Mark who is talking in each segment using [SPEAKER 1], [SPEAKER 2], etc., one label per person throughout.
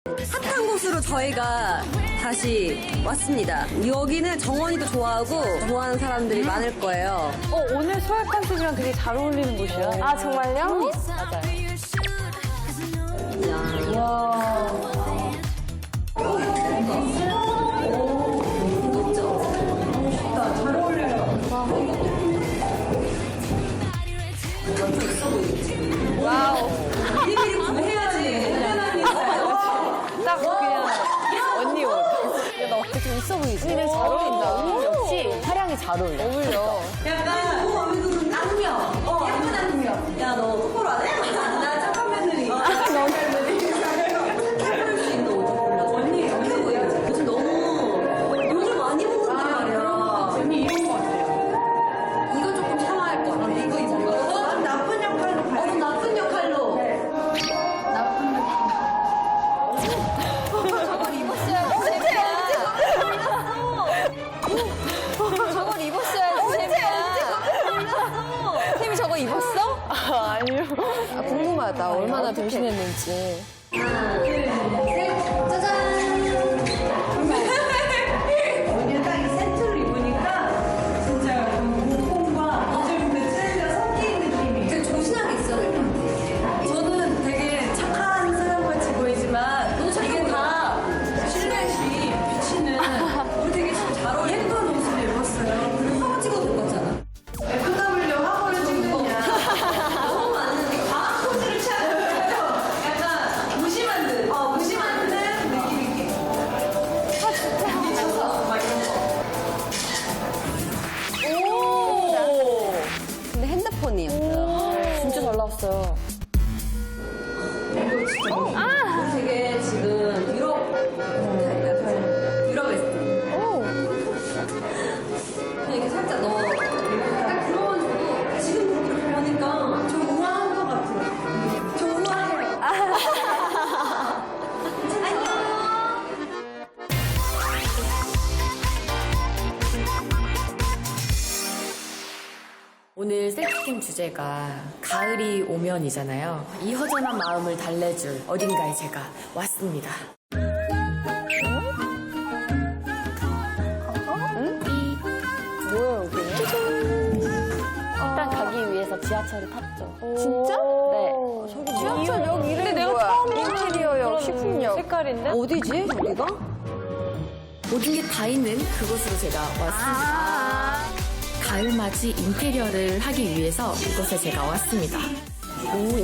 [SPEAKER 1] 핫한 곳으로 저희가 다시 왔습니다. 여기는 정원이도 좋아하고 좋아하는 사람들이 많을 거예요.
[SPEAKER 2] 오늘 소액 컨셉이랑 되게 잘 어울리는 곳이야. 아, 정말요? 와우.
[SPEAKER 1] 미리미리 구매해야지.
[SPEAKER 2] 딱 그냥 언니 옷. 야, 나 어떻게 좀 있어 보이지? 언니는 잘 어울린다. 역시 화량이 잘 어울려. 어울려.
[SPEAKER 1] 약간 악명. 예쁜 악명. 야, 너 똑바로 안 해? 나 착한 며느리. 착한 며느리. 착할 수 있는 옷을 골라. 언니, 이렇게 보여야지. 요즘 너무 요즘 많이 입는단 말이야. 언니 이런 거 같아요. 이거 조금 참아야 할 것 같아. 이거 입어. 넌 나쁜 역할로 가. 넌 나쁜 역할로.
[SPEAKER 2] 저걸 입었어야지. 저걸 입었어야지. 쌤이 저거 입었어? 아니요. 궁금하다. 얼마나 변신했는지.
[SPEAKER 1] 짜잔! 오늘 딱 이 세트를 입으니까 진짜 공통과 요즘 그 트렌드가 섞인 느낌이 되게 조신하게 있어야 될 것 같아요. 저는 되게 착한 사람같이 보이지만 이게 다 실내시 비치는 우리 되게 잘 어울리는 예쁜 옷을 입었어요. 그리고 사진 찍어도 될 거잖아. FW 화보를 찍느냐 너무 많은데 과학 포즈를 취하는 거예요. 약간 무심한 듯 무심한 듯 느낌 있게 미쳐서 막 이런 거.
[SPEAKER 2] 오!
[SPEAKER 1] 근데 핸드폰이에요.
[SPEAKER 2] 진짜 잘 나왔어요.
[SPEAKER 1] 이거 진짜 우리 되게 지금 유럽 웨스트 그냥 이렇게 살짝 넣어 딱 들어가지고 지금 이렇게 보니까 좀 우아한 것 같아요. 좀 우아해요. 안녕.
[SPEAKER 3] 오늘 셀프캠 주제가 가을이 오면이잖아요. 이 허전한 마음을 달래줄 어딘가에 제가 왔습니다.
[SPEAKER 2] 뭐야, 여기는? 일단 가기 위해서 지하철을 탔죠. 진짜? 네. 지하철역 이름이 내가 처음 인테리어역, 식품역. 색깔인데?
[SPEAKER 1] 어디지 여기가?
[SPEAKER 3] 모든 게 다 있는 그곳으로 제가 왔습니다. 가을맞이 인테리어를 하기 위해서 이곳에 제가 왔습니다. 오,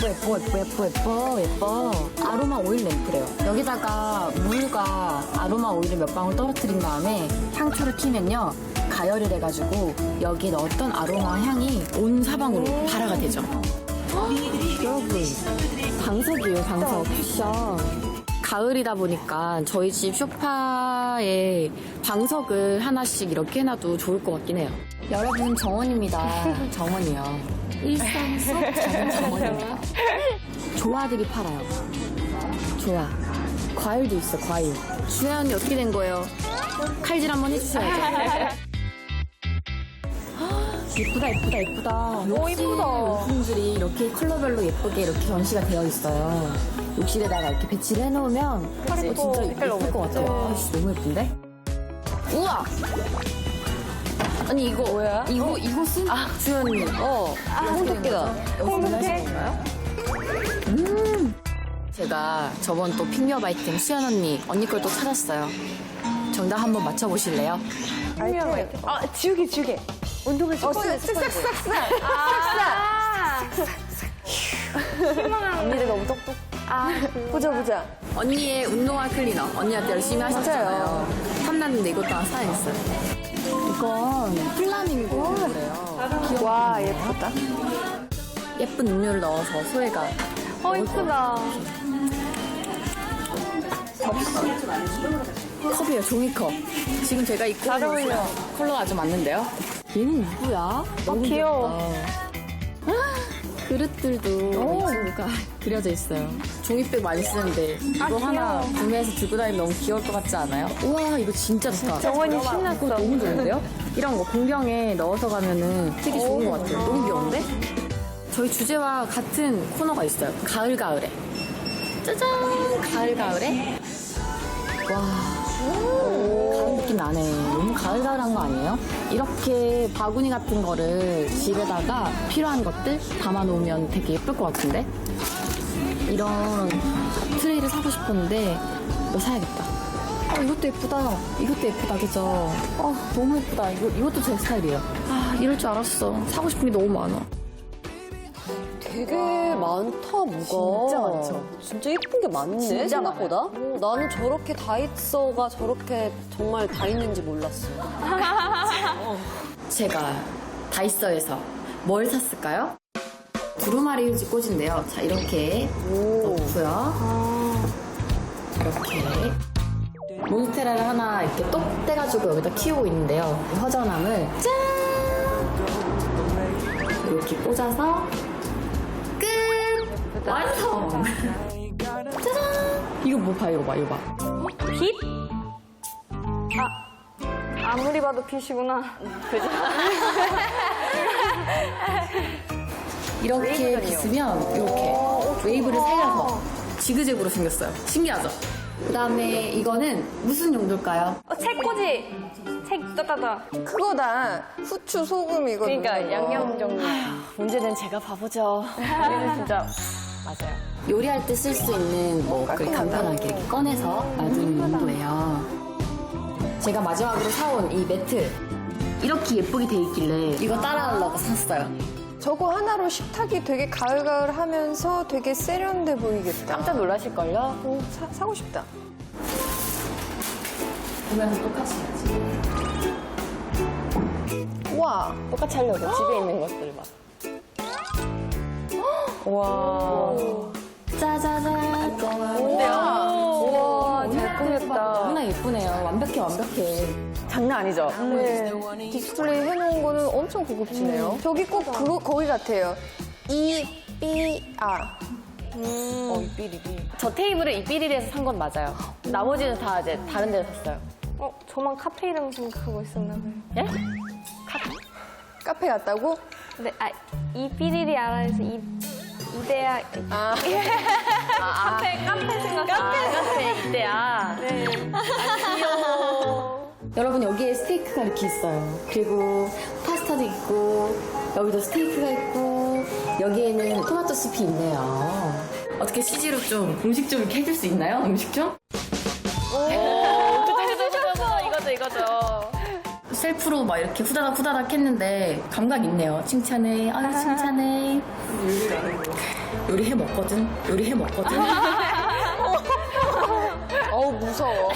[SPEAKER 3] 예뻐. 아로마 오일 램프래요. 여기다가 물과 아로마 오일을 몇 방울 떨어뜨린 다음에 향초를 키면요. 가열을 해가지고 여기에 넣었던 아로마 향이 온 사방으로 발화가 되죠. 여러분, 방석이에요, 방석. 쿠션. 가을이다 보니까 저희 집 소파에 방석을 하나씩 이렇게 해놔도 좋을 것 같긴 해요. 여러분, 정원입니다. 정원이요. 일상 속 작은 정원입니다. 조화들이 팔아요. 조화. 과일도 있어, 과일. 주혜 언니 어떻게 된 거예요? 칼질 한번 해주셔야죠. 예쁘다.
[SPEAKER 2] 오, 이쁘다.
[SPEAKER 3] 용품들이 이렇게 컬러별로 예쁘게 이렇게 전시가 되어 있어요. 욕실에다가 이렇게 배치를 해놓으면 진짜 예쁠 것 같아요. 아이씨, 너무 예쁜데? 우와! 아니, 이거
[SPEAKER 2] 뭐야?
[SPEAKER 3] 이곳은? 주연님.
[SPEAKER 2] 홍두깨다. 홍두깨?
[SPEAKER 3] 제가 저번 또 픽미업 아이템 수연 언니 걸 또 찾았어요. 정답 한번 맞춰보실래요?
[SPEAKER 2] 지우개. 운동을 쓱싹. 언니들 너무 똑똑. 보자.
[SPEAKER 3] 언니의 운동화 클리너. 언니한테 열심히 하셨잖아요. 탐났는데 이것도 하나 사야겠어요. 이건 플라밍고래요.
[SPEAKER 2] 와, 예쁘다.
[SPEAKER 3] 예쁜 음료를 넣어서 소혜가.
[SPEAKER 2] 이쁘다.
[SPEAKER 3] 컵이에요, 종이컵. 지금 제가 입고
[SPEAKER 2] 잘
[SPEAKER 3] 있는
[SPEAKER 2] 어울려.
[SPEAKER 3] 컬러가 아주 맞는데요. 얘는 누구야? 너무
[SPEAKER 2] 귀여워.
[SPEAKER 3] 귀엽다. 그릇들도 이 친구가 그려져 있어요. 종이백 많이 쓰는데 이거 하나 구매해서 들고 다니면 너무 귀여울 것 같지 않아요? 우와, 이거 진짜 좋다.
[SPEAKER 2] 정원이 신났어.
[SPEAKER 3] 이거 너무 좋은데요? 이런 거 공병에 넣어서 가면은 되게 좋은 것 같아요. 너무 귀여운데? 저희 주제와 같은 코너가 있어요. 가을에. 짜잔! 가을에? 와, 가을 느낌 나네. 너무 가을가을한 거 아니에요? 이렇게 바구니 같은 거를 집에다가 필요한 것들 담아놓으면 되게 예쁠 것 같은데? 이런 트레이를 사고 싶었는데 이거 사야겠다. 이것도 예쁘다. 이것도 예쁘다, 그죠? 너무 예쁘다. 이것도 제 스타일이에요. 이럴 줄 알았어. 사고 싶은 게 너무 많아.
[SPEAKER 4] 되게 많다, 뭐가.
[SPEAKER 1] 진짜 많죠.
[SPEAKER 4] 진짜 예쁜 게 많네,
[SPEAKER 3] 진짜
[SPEAKER 4] 생각보다. 나는 저렇게 다이소가 저렇게 정말 다 있는지 몰랐어.
[SPEAKER 3] 제가 다이소에서 뭘 샀을까요? 두루마리 휴지 꽂인데요. 자, 이렇게 넣고요. 이렇게. 몬스테라를 하나 이렇게 똑 떼가지고 여기다 키우고 있는데요. 허전함을 짠! 이렇게 꽂아서 끝! 완성! 짜잔! 이거 뭐 봐, 이거 봐.
[SPEAKER 2] 빛? 아무리 봐도 빛이구나. 그죠?
[SPEAKER 3] 이렇게 빗으면 이렇게 웨이브를 살려서 지그재그로 생겼어요. 신기하죠? 그 다음에 이거는 무슨 용도일까요?
[SPEAKER 2] 책꽂이. 책 따다다.
[SPEAKER 5] 그거다. 후추, 소금 이거.
[SPEAKER 2] 그러니까
[SPEAKER 5] 넣는 거.
[SPEAKER 2] 양념 종류.
[SPEAKER 3] 문제는 제가 바보죠.
[SPEAKER 2] 이거 진짜 맞아요.
[SPEAKER 3] 요리할 때 쓸 수 있는 뭐 간편하게 이렇게 꺼내서 놔두는 용도예요. 제가 마지막으로 사온 이 매트 이렇게 예쁘게 돼 있길래 이거 따라하려고 샀어요.
[SPEAKER 5] 저거 하나로 식탁이 되게 가을가을 하면서 되게 세련돼 보이겠다.
[SPEAKER 3] 깜짝 놀라실걸요?
[SPEAKER 5] 사고 싶다.
[SPEAKER 3] 보면서 똑같이 해야지.
[SPEAKER 5] 와.
[SPEAKER 2] 똑같이 하려고 집에 있는 것들 막. 와.
[SPEAKER 3] 짜자잔.
[SPEAKER 2] 우와, 잘 꾸몄다.
[SPEAKER 3] 너무나 예쁘네요. 완벽해.
[SPEAKER 2] 장난 아니죠?
[SPEAKER 5] 네. 디스플레이 해놓은 거는 엄청 고급지네요. 저기 꼭 그거 거기 같아요. 이삐아.
[SPEAKER 2] 저 테이블을 이삐리에서 산 건 맞아요. 나머지는 다 이제 다른 데서 샀어요. 저만 카페 이름 생각하고 있었나 봐요. 예?
[SPEAKER 5] 카페 갔다고?
[SPEAKER 6] 네, 이삐리리 알아서 이데아
[SPEAKER 2] 카페 생각. 카페 이때야. 네. 귀여워.
[SPEAKER 3] 여러분 여기에 스테이크가 이렇게 있어요. 그리고 파스타도 있고 여기도 스테이크가 있고 여기에는 토마토 숲이 있네요. 어떻게 CG로 좀 음식 좀 이렇게 해줄 수 있나요? 음식 좀?
[SPEAKER 2] 이거죠.
[SPEAKER 3] 셀프로 막 이렇게 후다닥 했는데 감각 있네요. 칭찬해. 아유 칭찬해. 요리 해 먹거든.
[SPEAKER 5] 어우, 무서워.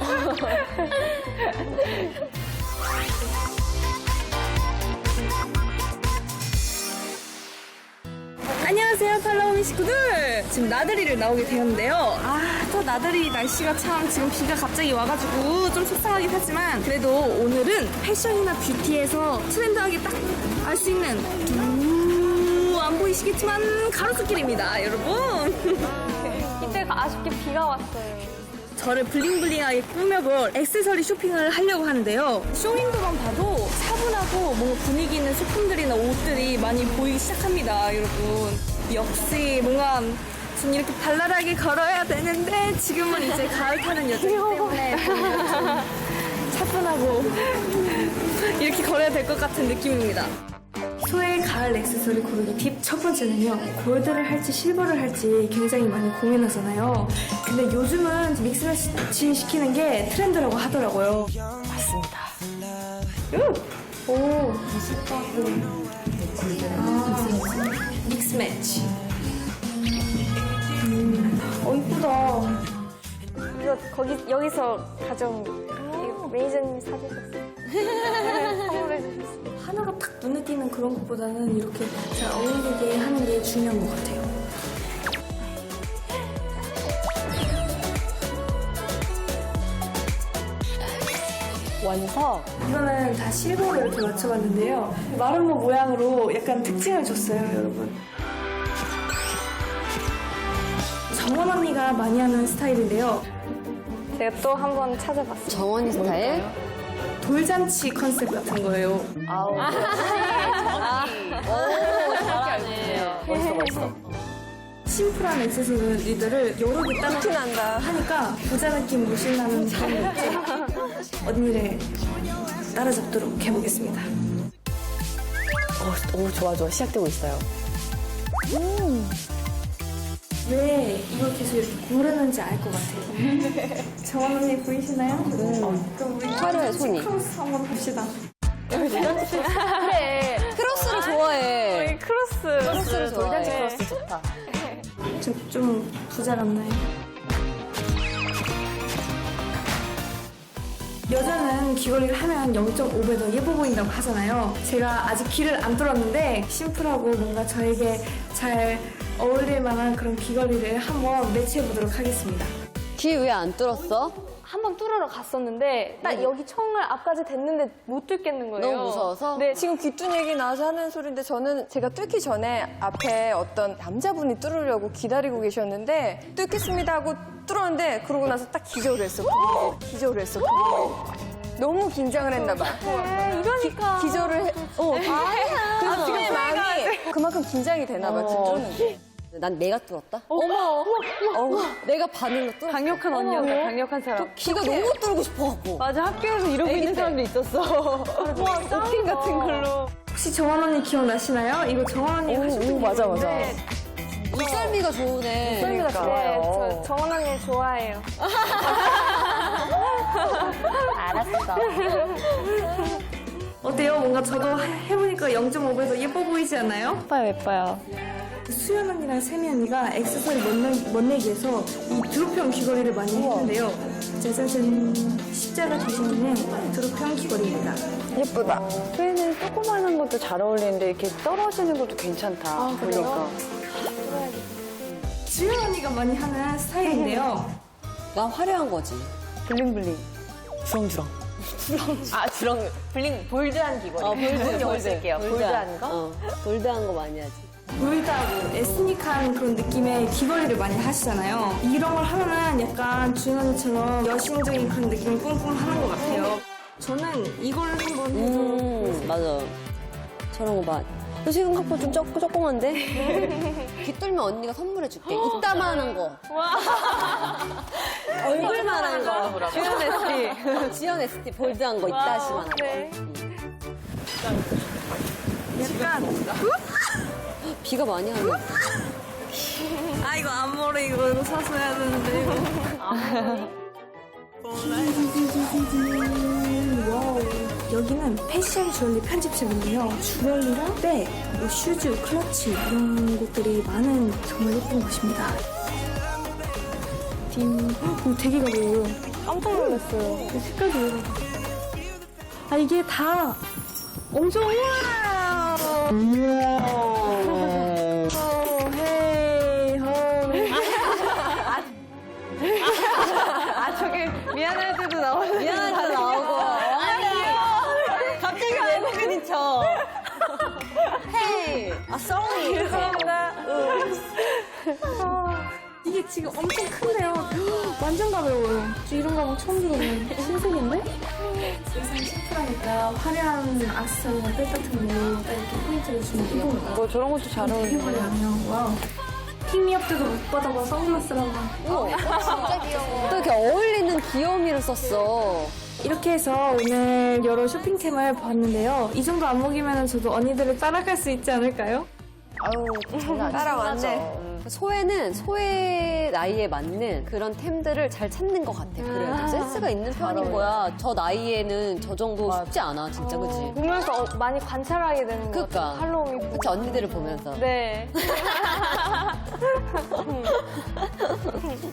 [SPEAKER 7] 안녕하세요, 팔로우미 식구들. 지금 나들이를 나오게 되었는데요. 또 나들이 날씨가 참 지금 비가 갑자기 와가지고 좀 속상하긴 하지만 그래도 오늘은 패션이나 뷰티에서 트렌드하게 딱 알 수 있는 안 보이시겠지만 가로수길입니다, 여러분.
[SPEAKER 6] 이때가 아쉽게 비가 왔어요.
[SPEAKER 7] 저를 블링블링하게 꾸며볼 액세서리 쇼핑을 하려고 하는데요. 쇼윈도만 봐도 차분하고 뭔가 분위기 있는 소품들이나 옷들이 많이 보이기 시작합니다, 여러분. 역시 뭔가 좀 이렇게 발랄하게 걸어야 되는데 지금은 이제 가을 타는 여자이기 때문에 뭔가 좀 차분하고 이렇게 걸어야 될 것 같은 느낌입니다. 소의 가을 액세서리 고르기 팁 첫 번째는요. 골드를 할지 실버를 할지 굉장히 많이 고민하잖아요. 근데 요즘은 믹스매치 시키는 게 트렌드라고 하더라고요. 맞습니다. 오, 믹스매치. 이쁘다.
[SPEAKER 6] 이거 여기서 가져온 이거 매니저님이 사주셨어요. 선물해 주셨어요.
[SPEAKER 7] 하나가 딱 눈에 띄는 그런 것보다는 이렇게 잘 어울리게 하는 게 중요한 것 같아요.
[SPEAKER 2] 완성.
[SPEAKER 7] 이거는 다 실버로 이렇게 맞춰봤는데요. 마름모 모양으로 약간 특징을 줬어요, 여러분. 정원 언니가 많이 하는 스타일인데요.
[SPEAKER 6] 제가 또 한 번 찾아봤어요.
[SPEAKER 4] 정원이 스타일?
[SPEAKER 7] 돌잔치 컨셉 같은 거예요.
[SPEAKER 2] 잘하네. 멋있어.
[SPEAKER 7] 심플한 액세서리들을 여러 개 따라
[SPEAKER 5] 티난다.
[SPEAKER 7] 하니까 부자 느낌 물씬 나는 그런 느낌. 언니를 따라잡도록 해보겠습니다.
[SPEAKER 3] 좋아. 시작되고 있어요.
[SPEAKER 7] 왜 이걸 계속 이렇게 고르는지 알 것 같아요. 정원 언니 보이시나요? 그럼 우리
[SPEAKER 4] 화려해, 손이.
[SPEAKER 7] 크로스 한번 봅시다.
[SPEAKER 4] 크로스를 좋아해.
[SPEAKER 6] 크로스를
[SPEAKER 4] 좋아해.
[SPEAKER 2] 크로스 좋다.
[SPEAKER 7] 좀 부자 같나요? 여자는 귀걸이를 하면 0.5배 더 예뻐 보인다고 하잖아요. 제가 아직 귀를 안 뚫었는데 심플하고 뭔가 저에게 잘 어울릴 만한 그런 귀걸이를 한번 매치해 보도록 하겠습니다.
[SPEAKER 4] 귀 왜 안 뚫었어?
[SPEAKER 6] 한번 뚫으러 갔었는데 딱 여기 청을 앞까지 댔는데 못 뚫겠는 거예요.
[SPEAKER 4] 너무 무서워서?
[SPEAKER 6] 네,
[SPEAKER 5] 지금 귀뚫 얘기 나와서 하는 소리인데 저는 제가 뚫기 전에 앞에 어떤 남자분이 뚫으려고 기다리고 계셨는데 뚫겠습니다 하고 뚫었는데 그러고 나서 딱 기절을 했어. 기절을 했어. 너무 긴장을 했나 봐.
[SPEAKER 6] 이러니까.
[SPEAKER 5] 기절을 해. 그래서 지금 마음이 그만큼 긴장이 되나 봐. 지금 뚫는 게.
[SPEAKER 4] 난 내가 뚫었다? 어머. 내가 바늘로 뚫었어.
[SPEAKER 6] 강력한 언니였다, 강력한 사람.
[SPEAKER 4] 귀가 너무 뚫고 싶어갖고.
[SPEAKER 6] 맞아, 학교에서 이러고 있는 사람도 있었어. 오핀 같은 걸로.
[SPEAKER 7] 혹시 정원 언니 기억나시나요? 이거 정원 언니 하셨던
[SPEAKER 3] 맞아.
[SPEAKER 4] 눈썰미가 좋으네.
[SPEAKER 6] 썰미가 좋아요. 저 정원 언니 좋아해요.
[SPEAKER 2] 알았어.
[SPEAKER 7] 어때요? 뭔가 저도 해보니까 0.5배 더 예뻐 보이지 않나요?
[SPEAKER 2] 예뻐요.
[SPEAKER 7] 수연 언니랑 세미 언니가 액세서리 멋내기에서 이 드롭형 귀걸이를 많이 했는데요. 짜자잔, 십자가 디자인의 드롭형 귀걸이입니다.
[SPEAKER 5] 예쁘다.
[SPEAKER 2] 수혜는 조그마한 것도 잘 어울리는데 이렇게 떨어지는 것도 괜찮다. 보니까.
[SPEAKER 7] 주연 언니가 많이 하는 스타일인데요.
[SPEAKER 4] 난 화려한 거지.
[SPEAKER 2] 블링블링. 주렁주렁. 블링, 볼드한 귀걸이. 볼드 쓸게요. 볼드한 거?
[SPEAKER 4] 볼드한 거 많이 하지.
[SPEAKER 7] 볼드하고 에스닉한 그런 느낌의 귀걸이를 많이 하시잖아요. 이런 걸 하면은 약간 주연 언니처럼 여신적인 그런 느낌을 뿜뿜 하는 것 같아요. 저는 이걸 한번 해서
[SPEAKER 4] 맞아. 저런 거 봐. 너 지금 갖고 좀 조그만데? 귀 뚫면 언니가 선물해줄게. 이따만한 거. 얼굴만한 거.
[SPEAKER 6] 주연 ST.
[SPEAKER 4] 지연 ST 볼드한 거, 이따시만한 거.
[SPEAKER 6] 네.
[SPEAKER 7] 약간
[SPEAKER 4] 비가 많이 하네.
[SPEAKER 7] 아 이거 앞머리 이거 사서 해야 되는데 이거. 와우. 여기는 패션 주얼리 편집샵인데요. 주얼리랑 백, 뭐 슈즈, 클러치 이런 것들이 많은 정말 예쁜 곳입니다. 오, 되게 가벼워요.
[SPEAKER 6] 깜짝 놀랐어요.
[SPEAKER 7] 그 색깔도 왜 이래. 아 이게 다 엄청 우와.
[SPEAKER 6] 저게 미안할 때도 나오네.
[SPEAKER 4] 미안할 때 나오고.
[SPEAKER 6] 갑자기 외국인인 척.
[SPEAKER 4] 헤이, sorry.
[SPEAKER 6] 죄송합니다.
[SPEAKER 7] 이게 지금 엄청 큰데요. 완전 가벼워요. 저 이런 가방 처음 들어보는 신세계인데? 의상이 심플하니까 화려한 악세사리나 백 같은 거 이렇게 포인트를 주면 이거
[SPEAKER 2] 저런 것도 잘
[SPEAKER 7] 되게 화려하네요. 와우. 픽미업 때도 못 받아봐 선글라스라고.
[SPEAKER 4] 진짜 귀여워. 또 이렇게 어울리는 귀여움이를 썼어.
[SPEAKER 7] 이렇게 해서 오늘 여러 쇼핑템을 봤는데요. 이 정도 안목이면 저도 언니들을 따라갈 수 있지 않을까요?
[SPEAKER 5] 따라왔네.
[SPEAKER 4] 소혜는 소혜 나이에 맞는 그런 템들을 잘 찾는 것 같아. 그래요. 센스가 있는 편인 거야. 저 나이에는 저 정도 쉽지 않아, 진짜, 그치?
[SPEAKER 6] 보면서 많이 관찰하게 되는 것
[SPEAKER 4] 그러니까.
[SPEAKER 6] 같아요. 할로윈.
[SPEAKER 4] 그치, 언니들을 보면서.
[SPEAKER 6] 네.